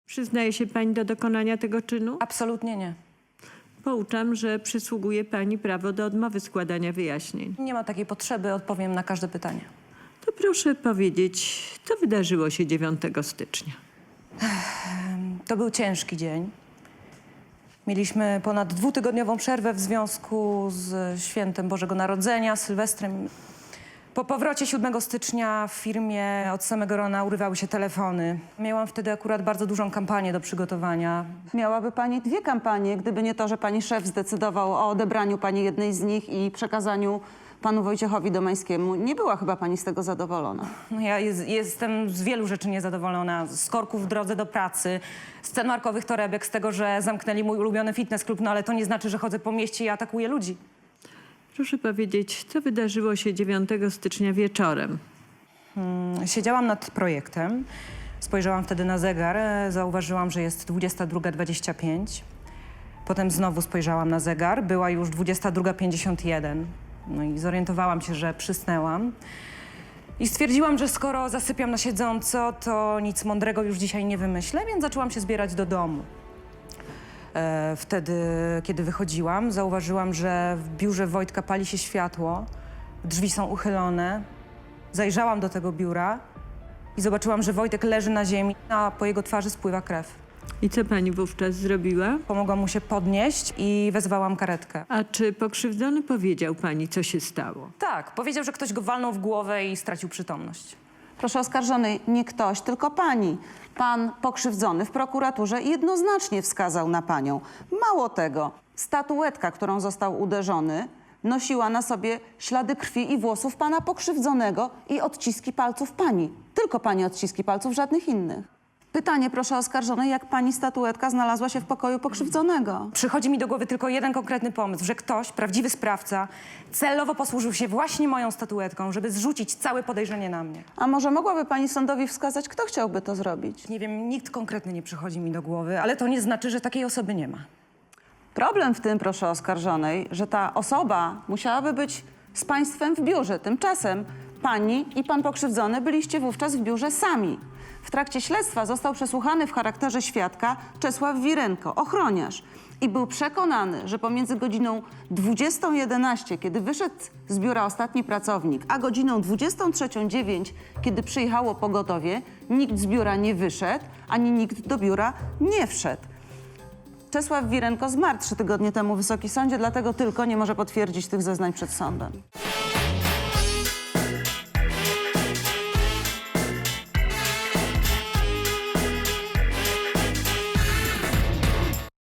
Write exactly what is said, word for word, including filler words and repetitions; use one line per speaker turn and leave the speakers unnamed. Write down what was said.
Przyznaje się pani do dokonania tego czynu?
Absolutnie nie.
Pouczam, że przysługuje pani prawo do odmowy składania wyjaśnień.
Nie ma takiej potrzeby, odpowiem na każde pytanie.
To proszę powiedzieć, co wydarzyło się dziewiątego stycznia?
To był ciężki dzień. Mieliśmy ponad dwutygodniową przerwę w związku z świętem Bożego Narodzenia, Sylwestrem. Po powrocie siódmego stycznia w firmie od samego rana urywały się telefony. Miałam wtedy akurat bardzo dużą kampanię do przygotowania.
Miałaby pani dwie kampanie, gdyby nie to, że pani szef zdecydował o odebraniu pani jednej z nich i przekazaniu panu Wojciechowi Domańskiemu. Nie była chyba pani z tego zadowolona.
No ja jest, jestem z wielu rzeczy niezadowolona. Z korków w drodze do pracy, z cen markowych torebek, z tego, że zamknęli mój ulubiony fitness club, no ale to nie znaczy, że chodzę po mieście i atakuję ludzi.
Proszę powiedzieć, co wydarzyło się dziewiątego stycznia wieczorem?
Siedziałam nad projektem, spojrzałam wtedy na zegar, e, zauważyłam, że jest dwudziesta druga dwadzieścia pięć. Potem znowu spojrzałam na zegar, była już dwudziesta druga pięćdziesiąt jeden. No i zorientowałam się, że przysnęłam. I stwierdziłam, że skoro zasypiam na siedząco, to nic mądrego już dzisiaj nie wymyślę, więc zaczęłam się zbierać do domu. E, wtedy, kiedy wychodziłam, zauważyłam, że w biurze Wojtka pali się światło, drzwi są uchylone. Zajrzałam do tego biura i zobaczyłam, że Wojtek leży na ziemi, a po jego twarzy spływa krew.
I co pani wówczas zrobiła?
Pomogłam mu się podnieść i wezwałam karetkę.
A czy pokrzywdzony powiedział pani, co się stało?
Tak, powiedział, że ktoś go walnął w głowę i stracił przytomność.
Proszę oskarżonej, nie ktoś, tylko pani. Pan pokrzywdzony w prokuraturze jednoznacznie wskazał na panią. Mało tego, statuetka, którą został uderzony, nosiła na sobie ślady krwi i włosów pana pokrzywdzonego i odciski palców pani. Tylko pani odciski palców, żadnych innych. Pytanie, proszę oskarżonej, jak pani statuetka znalazła się w pokoju pokrzywdzonego?
Przychodzi mi do głowy tylko jeden konkretny pomysł, że ktoś, prawdziwy sprawca, celowo posłużył się właśnie moją statuetką, żeby zrzucić całe podejrzenie na mnie.
A może mogłaby pani sądowi wskazać, kto chciałby to zrobić?
Nie wiem, nikt konkretny nie przychodzi mi do głowy, ale to nie znaczy, że takiej osoby nie ma.
Problem w tym, proszę oskarżonej, że ta osoba musiałaby być z państwem w biurze. Tymczasem pani i pan pokrzywdzony byliście wówczas w biurze sami. W trakcie śledztwa został przesłuchany w charakterze świadka Czesław Wirenko, ochroniarz. I był przekonany, że pomiędzy godziną dwudziestą jedenaście, kiedy wyszedł z biura ostatni pracownik, a godziną dwudziestą trzecią dziewięć, kiedy przyjechało pogotowie, nikt z biura nie wyszedł, ani nikt do biura nie wszedł. Czesław Wirenko zmarł trzy tygodnie temu w Wysokim Sądzie, dlatego tylko nie może potwierdzić tych zeznań przed sądem.